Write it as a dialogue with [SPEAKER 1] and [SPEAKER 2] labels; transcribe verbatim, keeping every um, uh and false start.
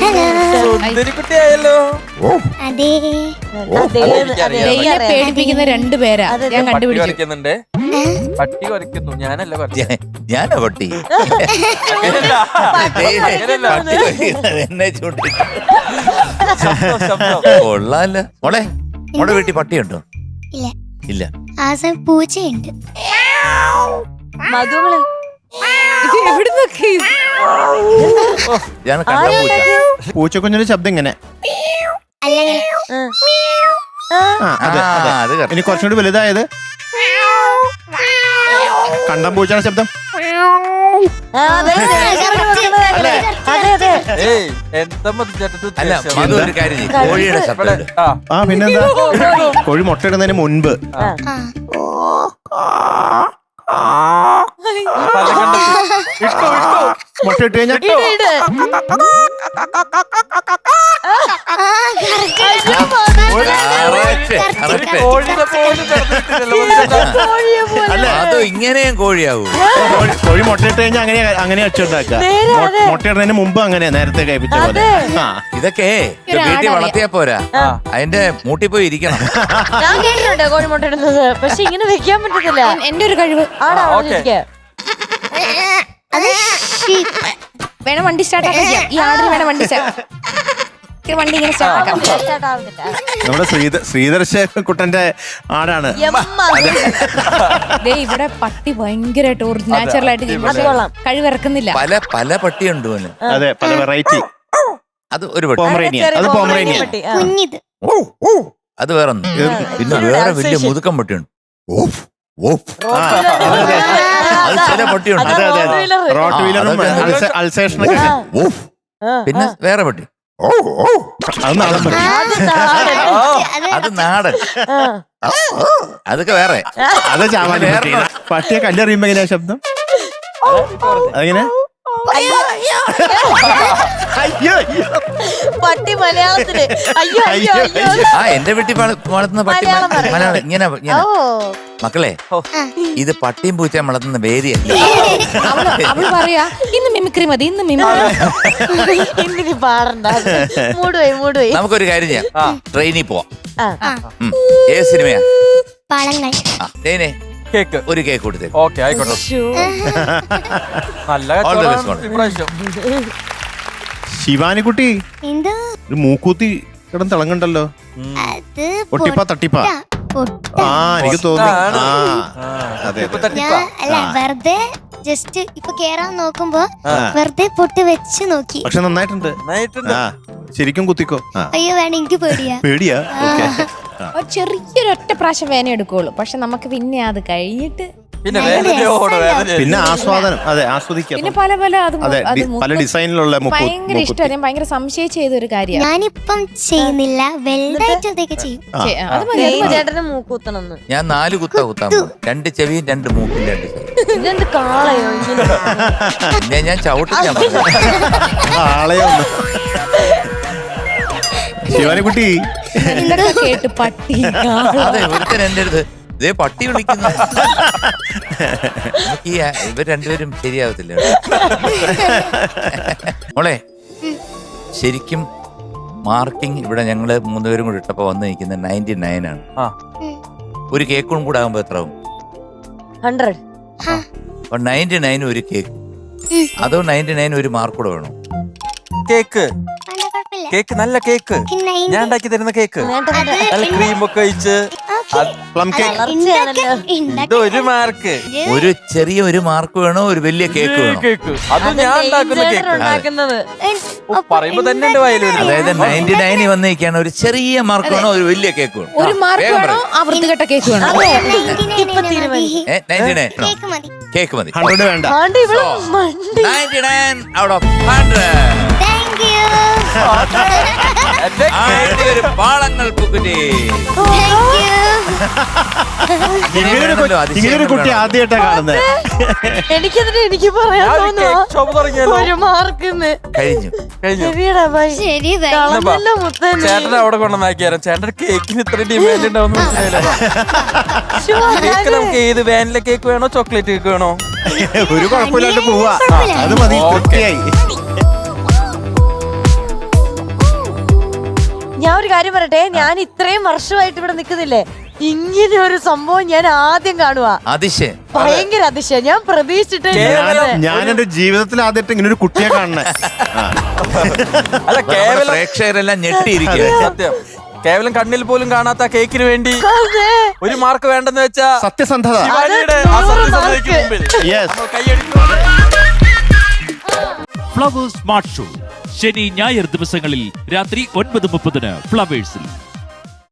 [SPEAKER 1] സുന്ദരിക്കുട്ടിയായല്ലോ.
[SPEAKER 2] പേടിപ്പിക്കുന്ന രണ്ടുപേരാ ഞാൻ
[SPEAKER 1] കണ്ടുപിടിക്കുന്നുണ്ട്. പട്ടി കുറയ്ക്കുന്നു, ഞാനല്ല
[SPEAKER 3] ഞാനാ പട്ടി. എന്നെ ചൂണ്ടി കൊള്ളാല്ല. മോളെ മോളെ വീട്ടിൽ പട്ടിയുണ്ടോ?
[SPEAKER 4] ഇല്ല
[SPEAKER 3] ഇല്ല.
[SPEAKER 4] പൂച്ചയുണ്ട്.
[SPEAKER 2] മധുമളെ
[SPEAKER 3] ഞാൻ കണ്ട പൂച്ച.
[SPEAKER 5] പൂച്ചക്കുഞ്ഞിന്റെ ശബ്ദം ഇങ്ങനെ. ഇനി കുറച്ചും കൂടി വലുതായത് കണ്ടം പൂച്ചയുടെ ശബ്ദം.
[SPEAKER 3] അല്ല മധു ഒരു കാര്യം ചെയ്യ്, കോഴിയുടെ ശബ്ദം.
[SPEAKER 5] ആ പിന്നെന്താ, കോഴി മുട്ടയിടുന്നതിന് മുൻപ് മുട്ട ഇട്ട് കഴിഞ്ഞാൽ
[SPEAKER 3] അതോ ഇങ്ങനെയും കോഴിയാവൂ?
[SPEAKER 5] കോഴി മുട്ടയിട്ട് കഴിഞ്ഞാൽ അങ്ങനെ അങ്ങനെ അച്ചുണ്ടാക്കുക. മുട്ടയിടുന്നതിന് മുമ്പ് അങ്ങനെ നേരത്തെ കഴിപ്പിച്ച പോലെ.
[SPEAKER 3] ഇതൊക്കെ വീട്ടിൽ വളർത്തിയാ പോരാ, അതിന്റെ മൂട്ടി പോയി ഇരിക്കണം.
[SPEAKER 2] ഞാൻ കേട്ടിട്ടുണ്ട് കോഴി മുട്ട ഇടുന്നത്, പക്ഷെ ഇങ്ങനെ വെക്കാൻ പറ്റത്തില്ല. എന്റെ ഒരു കഴിവ് ആണോ? വേണം വണ്ടി സ്റ്റാർട്ട് ആക്കാം. ഈ ആടിന് വേണം വണ്ടി വണ്ടി ഇങ്ങനെ സ്റ്റാർട്ട് ആക്കാം.
[SPEAKER 5] നമ്മുടെ ശ്രീധർ ശ്രീധർശ കുട്ടന്റെ ആടാണ്.
[SPEAKER 2] ഇവിടെ പട്ടി ഭയങ്കരമായിട്ട് നാച്ചുറൽ ആയിട്ട് കഴിവിറക്കുന്നില്ല.
[SPEAKER 3] പല പല പട്ടിയുണ്ട്.
[SPEAKER 5] അതെ, പല വെറൈറ്റി.
[SPEAKER 3] അത് ഒരു പട്ടി
[SPEAKER 5] പോമറേനിയൻ, അത് പോമറേനിയൻ.
[SPEAKER 3] അത് വേറൊന്നും. പിന്നെ വേറെ വലിയ മുതുക്കം പട്ടിയുണ്ട്. അത് ചില പട്ടിയുണ്ട്.
[SPEAKER 5] റോട്ട് വീലറും അൽസേഷനൊക്കെ.
[SPEAKER 3] പിന്നെ വേറെ പട്ടി
[SPEAKER 5] അത് നാടൻ പട്ടി.
[SPEAKER 3] അത് നാടൻ. അതൊക്കെ വേറെ.
[SPEAKER 5] അത് ചാവാൻ പട്ടിയെ കല്ലെറിയുമ്പോ എങ്ങനെയാ ശബ്ദം? അതെങ്ങനെ?
[SPEAKER 2] പട്ടി മലയാളത്തില് അയ്യോ അയ്യോ അയ്യോ.
[SPEAKER 3] ആ എന്റെ വീട്ടിൽ വളർത്തുന്ന പട്ടി മലയാളം ഇങ്ങനെ ഇങ്ങനെ. മക്കളെ, ഇത് പട്ടിയും പൂച്ചയും വളർത്തുന്ന വേദിയല്ല.
[SPEAKER 2] അവള് പറയാ ഇന്ന് മിമിക്രി മതി, ഇന്ന് മിമിക്രി പാടണ്ട. മൂടുപോയി മൂടുപോയി.
[SPEAKER 3] നമുക്കൊരു കാര്യം ചെയ്യാം, ട്രെയിനിൽ പോവാം. ഏത് സിനിമയാ?
[SPEAKER 4] പാളങ്ങൾ.
[SPEAKER 3] ആ ട്രെയിനെ
[SPEAKER 1] കേക്ക്
[SPEAKER 3] ഒരു കേക്ക് കൊടുത്തേ.
[SPEAKER 1] ഓക്കെ ആയിക്കോട്ടെ. നല്ല
[SPEAKER 5] ശിവാനിക്കുട്ടി ഒരു മൂക്കൂത്തി കിടന്ന് തിളങ്ങണ്ടല്ലോ. ഒട്ടിപ്പാ തട്ടിപ്പാ? ആ എനിക്ക് തോന്നി.
[SPEAKER 4] അല്ല, വെറുതെ ജസ്റ്റ് ഇപ്പൊ കേറാൻ നോക്കുമ്പോ വെറുതെ പൊട്ട് വെച്ച് നോക്കി.
[SPEAKER 5] പക്ഷെ നന്നായിട്ടുണ്ട്. ശരിക്കും കുത്തിക്കോ.
[SPEAKER 4] അയ്യോ വേണ്ട, എനിക്ക് പേടിയാ.
[SPEAKER 5] പേടിയാ?
[SPEAKER 2] ചെറിയൊരു ഒറ്റ പ്രാവശ്യം വേന എടുക്കുള്ളൂ, പക്ഷെ നമുക്ക് പിന്നെ അത് കഴിഞ്ഞിട്ട്
[SPEAKER 5] പിന്നെ ആസ്വാദനം. അതെ, ആസ്വദിക്കാം.
[SPEAKER 2] പിന്നെ പല പല
[SPEAKER 5] പല ഡിസൈനിലുള്ള
[SPEAKER 2] ഭയങ്കര ഇഷ്ടം. ഞാൻ ഭയങ്കര സംശയിച്ച് ചെയ്ത ഒരു കാര്യം.
[SPEAKER 4] ഞാനിപ്പം ചെയ്യുന്നില്ല, വലുതായിട്ടൊക്കെ ചെയ്യും.
[SPEAKER 2] ചേട്ടന് മൂക്കൂത്തണം.
[SPEAKER 3] ഞാൻ നാല് കുത്ത കുത്താൻ പോകും. രണ്ട് ചെവിയും രണ്ട് മൂക്കും രണ്ട്
[SPEAKER 2] ഇതെന്ത് കാളയോ?
[SPEAKER 3] പിന്നെ ഞാൻ ചവിട്ടിക്കാൻ
[SPEAKER 5] ആളെയോ. ശിവാനിക്കുട്ടി
[SPEAKER 2] കേട്ട് പട്ടി.
[SPEAKER 3] അതെ, ഒരുത്തൻ എന്റെ അടുത്ത് ഇതേ പട്ടി വിളിക്കുന്നു. ഈ ഇവർ രണ്ടുപേരും ശരിയാവത്തില്ല. മോളെ, ശരിക്കും മാർക്കിംഗ് ഇവിടെ ഞങ്ങള് മൂന്നുപേരും കൂടി ഇട്ടപ്പോ വന്ന് നിൽക്കുന്ന നയൻറ്റി നയൻ ആണ്. ഒരു കേക്കും കൂടെ ആകുമ്പോ എത്ര ആവും?
[SPEAKER 2] ഹൺഡ്രഡ്.
[SPEAKER 3] അപ്പൊ നയൻറ്റി നയൻ ഒരു കേക്ക്, അതോ നയൻറ്റി നയൻ ഒരു മാർക്ക് കൂടെ വേണോ?
[SPEAKER 1] കേക്ക് കേക്ക് നല്ല കേക്ക്, ഞാൻ ഉണ്ടാക്കി തരുന്ന കേക്ക്, നല്ല ക്രീമൊക്കെ ഒഴിച്ച്
[SPEAKER 5] പ്ലം കേക്ക്.
[SPEAKER 1] ഒരു മാർക്ക്.
[SPEAKER 3] ഒരു ചെറിയ ഒരു മാർക്ക് വേണോ, ഒരു വലിയ കേക്ക് വേണോ?
[SPEAKER 1] കേക്ക് അത് ഞാൻ ഉണ്ടാക്കുന്ന കേക്ക് പറയുമ്പോ തന്നെ എന്റെ വയല്.
[SPEAKER 3] അതായത് നയൻറ്റി നയനിൽ വന്നിരിക്കുകയാണ്, ഒരു ചെറിയ മാർക്ക് വേണോ, ഒരു വലിയ കേക്ക് വേണോ?
[SPEAKER 2] ഒരു മാർക്ക് വേണോ, ആ വൃത്തികെട്ട കേക്ക് വേണോ?
[SPEAKER 3] നയൻറ്റി നയൻ കേക്ക് മതി.
[SPEAKER 5] ഹൺഡ്രഡ് വേണ്ട.
[SPEAKER 3] Ninety nine out of hundred. ഒരു പാളങ്ങൾ കുട്ടി.
[SPEAKER 5] ഇങ്ങനൊരു കുട്ടി ആദ്യമായിട്ടാ കാണുന്നത്.
[SPEAKER 2] എനിക്കെതിരെ എനിക്ക് പറയാൻ തോന്നുന്നു ഒരു മാർക്ക്
[SPEAKER 1] കഴിഞ്ഞു കഴിഞ്ഞു. ചേട്ടൻ അവിടെ കൊണ്ടുവന്നാക്കി തരാം. ചേട്ടൻ കേക്കിന് ഇത്ര ഡിമാൻഡ് ഉണ്ടാവുന്ന കേക്ക് നമുക്ക് ഏത് വാനില കേക്ക് വേണോ, ചോക്ലേറ്റ് കേക്ക് വേണോ?
[SPEAKER 5] ഒരു കുഴപ്പമില്ലാണ്ട് പോവാ. അത് മതി.
[SPEAKER 6] ഞാൻ ഒരു കാര്യം പറയട്ടെ, ഞാൻ ഇത്രയും വർഷമായിട്ട് ഇവിടെ നിൽക്കുന്നില്ലേ, ഇങ്ങനെ ഒരു സംഭവം ഞാൻ ആദ്യം കാണുക.
[SPEAKER 3] അതിശയം,
[SPEAKER 6] ഭയങ്കര അതിശയം. ഞാൻ പ്രതീക്ഷിച്ചിട്ടേ
[SPEAKER 5] ഞാൻ എന്റെ ജീവിതത്തിൽ ആദ്യമായിട്ട് ഇങ്ങനെ ഒരു കുട്ടിയെ കാണണേ.
[SPEAKER 1] അല്ല കേവലം
[SPEAKER 3] പ്രേക്ഷകരെല്ലാം ഞെട്ടിയിരിക്കുക.
[SPEAKER 1] സത്യം, കേവലം കണ്ണിൽ പോലും കാണാത്ത കേക്കിന് വേണ്ടി ഒരു മാർക്ക് വേണ്ടെന്ന് വെച്ചാ
[SPEAKER 5] സത്യസന്ധത.
[SPEAKER 1] ശിവാനിയുടെ ആ സത്യസന്ധതയ്ക്ക് മുമ്പിൽ
[SPEAKER 5] Yes.
[SPEAKER 1] നമ്മൾ കൈയടിക്കും.
[SPEAKER 7] ഫ്ലവേഴ്സ് സ്മാർട്ട് ഷോ ശനി ഞായർ ദിവസങ്ങളിൽ രാത്രി ഒൻപത് മുപ്പതിന് ഫ്ലവേഴ്സിൽ.